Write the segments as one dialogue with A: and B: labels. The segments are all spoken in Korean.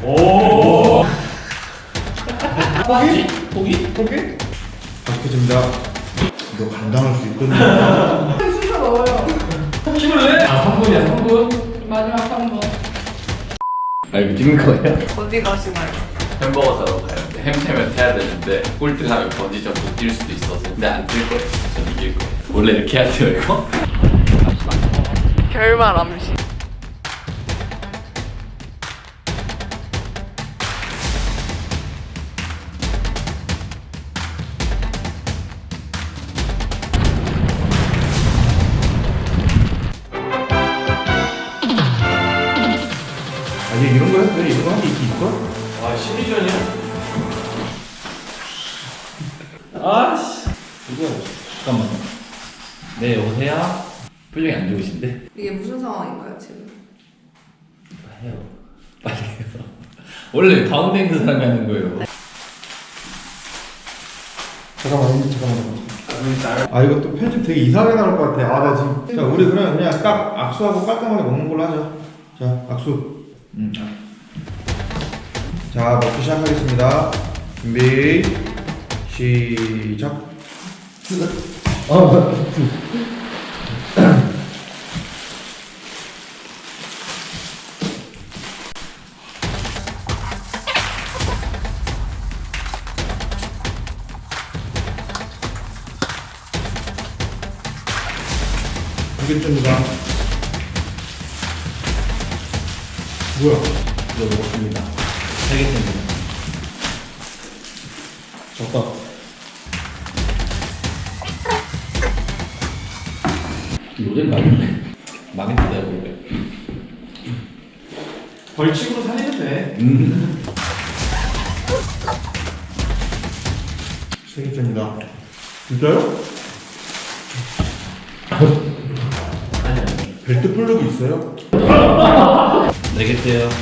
A: 오.
B: 포기? 박해집니다. 너 감당할 수 있거든.
C: 쑤셔 넣어요.
A: 힘을 내? 아 3분이야 3분.
C: 마지막 한 번.
D: 아 이거 찍는 거예요?
C: 어디 가시나요?
D: 햄버거 사러 가요. 햄템을 타야 되는데 꼴등하면 번지점프 뛸 수도 있어서 근데 안 뛸 거예요. 전 이길 거예요. 원래 이렇게 해야 돼요 이거?
C: 결말 암시.
B: 아니 이런 거 해? 이런 거 하기 있어?
A: 아 심리전이야? 아씨.
D: 이거 잠깐만요. 네 여보세요? 표정이 안 좋으신데?
C: 이게 무슨 상황인가요 지금?
D: 해요. 빨리 해요. 원래 가운데 있는 사람이 하는 거예요.
B: 잠깐만. 아 이거 또 편집 되게 이상하게 나올 것 같아. 아 나 지금. 자 우리 그냥 딱 악수하고 깔끔하게 먹는 걸로 하자. 자 악수. 자 먹기 시작하겠습니다. 준비 시작. 알겠습니다. 뭐야?
D: 이거 먹었습니다. 3개째입니다.
B: 졌다.
D: 요즘 망했는데 원래.
A: 벌칙으로 살리면 돼.
B: 세 개째입니다. 진짜요?
D: 아니
B: 벨트 플러그 있어요?
D: 4개째요.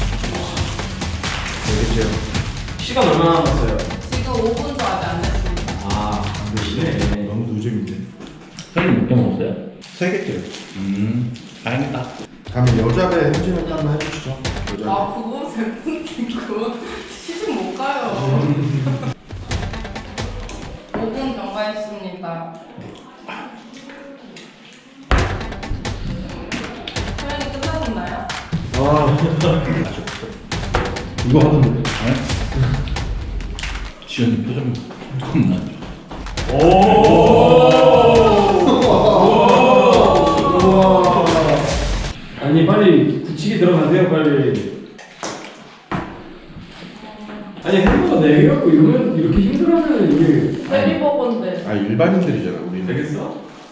B: 네 개째요.
A: 시간 얼마나 남았어요?
C: 지금 5분도 아직 안 됐습니다.
A: 아 안되시네.
B: 너무 노잼인데.
D: 형님 몇 개 먹었어요?
B: 세 개째요.
D: 다행이다.
B: 다음에 여자 배 행진을 한번 해주시죠. 여자
C: 아 그거 그거 시즌 못 가요. 5분 경과했습니다. 표현이 끝나셨나요?
B: 아 이거 하던데.
D: 네? 지현이 표정 겁나 안 좋아.
A: 아니 빨리 굳히기 들어가세요 빨리. 아니 햄버거 내려고 이러면 이렇게 힘들어하면 이게
C: 세리버거인데
B: 아 일반인들이잖아 우리는.
A: 되겠어?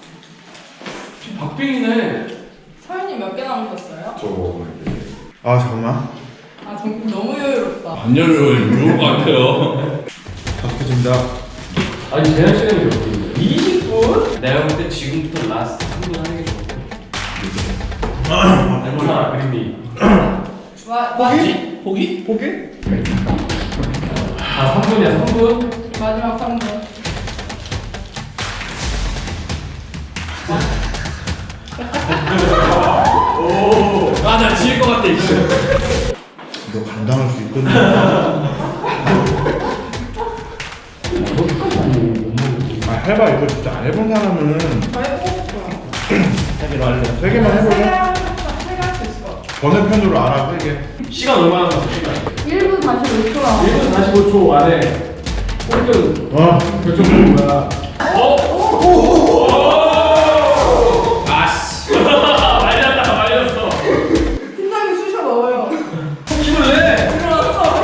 A: 박빙이네.
C: 서현이 몇 개 남으셨어요?
B: 아 잠깐만.
C: 아 정말 너무 여유롭다.
D: 반열을 좋을 것 같아요.
B: 박해집니다.
A: 아니 제한 시간이 몇 분인데? 20분?
D: 내가 볼 때 지금부터 라스트 3분 하는 게 좋을 것 같아.
A: 얼마나 그림이?
D: 포기?
B: 포기?
A: 아 3분이야 3분?
C: 마지막 3분.
D: 아나 질 것 같아 이거.
B: 너 감당할 수 있거든. 아 해봐 이거 진짜 안 해본 사람은
C: 저 해보고
D: 하기로 할래.
B: 세 개만 해볼래?
C: 세개 할 수 있어.
B: 번외편으로 알아 세 개.
A: 시간 얼마나 남았어 시간?
C: 1분 45초 남았어.
A: 1분 45초 안에 꼴등 결정되는 거야. 아씨 말렸어.
C: 팀장님 쑤셔 넣어요.
A: 힘을 내.
C: 들어왔어.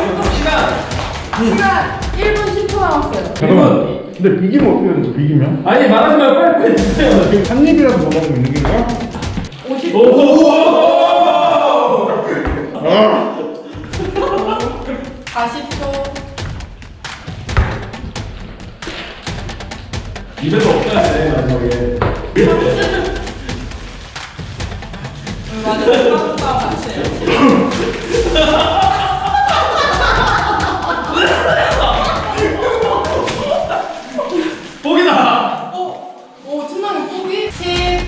C: 시간 1분 10초 남았어요.
B: 잠깐만. 근데 비기면 어떻게 되는 거야? 비기면?
A: 아니 말하지 말고 빨리 주세요.
B: 한 입이라도 더 먹으면 이기는 거야?
C: 50초.
B: 아
C: 40초.
A: 입에서 없어야 돼 마지막에.
C: 맞아. 싸움 같이 해요.
A: 포기다.
C: 오, 팀장님 포기? 10,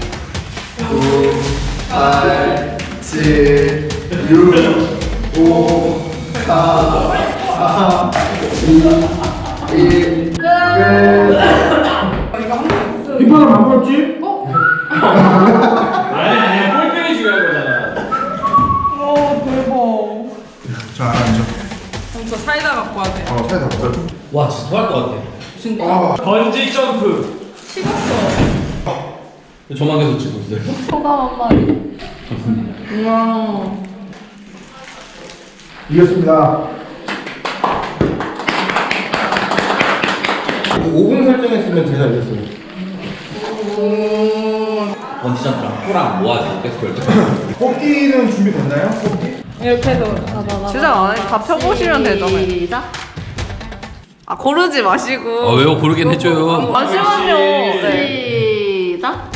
B: 9, 8, 7, 6, 5, 힙합을 안 먹었지?
A: 아니야 꼴등이 중요한 거잖아.
C: 대박.
B: 자, 앉아.
C: 진짜 사이다 갖고 와야 돼.
B: 사이다 먹자.
A: 와 진짜 토할 것 같아.
C: 진짜.
A: 번지 점프.
C: 식었어.
A: 저만 계속 치고 있어요.
C: 소감 한마디. 우와.
B: 이겼습니다. 5분 설정했으면 제가 이겼어요.
A: 번지 점프랑 코랑 뭐하지? 계속 결정.
B: 뽑기는 준비됐나요? 뽑기?
C: 이렇게 해서 주장 안 해. 다 펴보시면 되잖아요.
E: 시작.
C: 아 고르지 마시고.
D: 왜요? 고르긴 해줘요.
C: 잠시만요. 네.
E: 시작.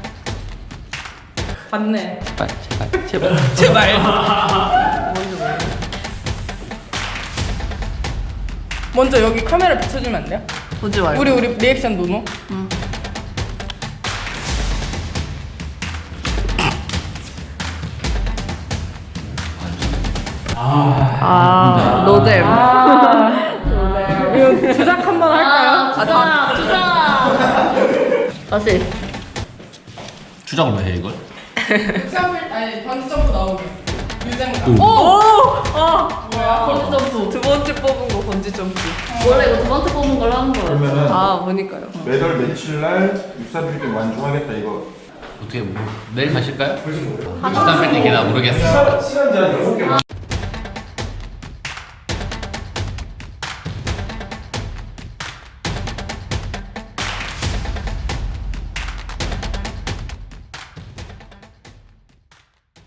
C: 맞네.
D: 제발.
C: 먼저 여기 카메라 비춰주면 안 돼요?
E: 보지 말고.
C: 우리 리액션 노노.
E: 노잼.
C: 이거 주작 한번 할까요?
E: 다시.
D: 추적을 왜 해 이걸?
C: 아니 번지 점프 나오게. 유잼가. 뭐야?
E: 번지 점프.
C: 두 번째 뽑은 거 번지 점프.
E: 원래 이거 두 번째 뽑은 걸로 하는 거예요.
B: 그러면은
C: 아 보니까요.
B: 매달 며칠 날 육사빌딩 완주하겠다 이거.
D: 어떻게 뭐 내일 가실까요? 13일 얘기나 모르겠어.
B: 시간 제한 6개.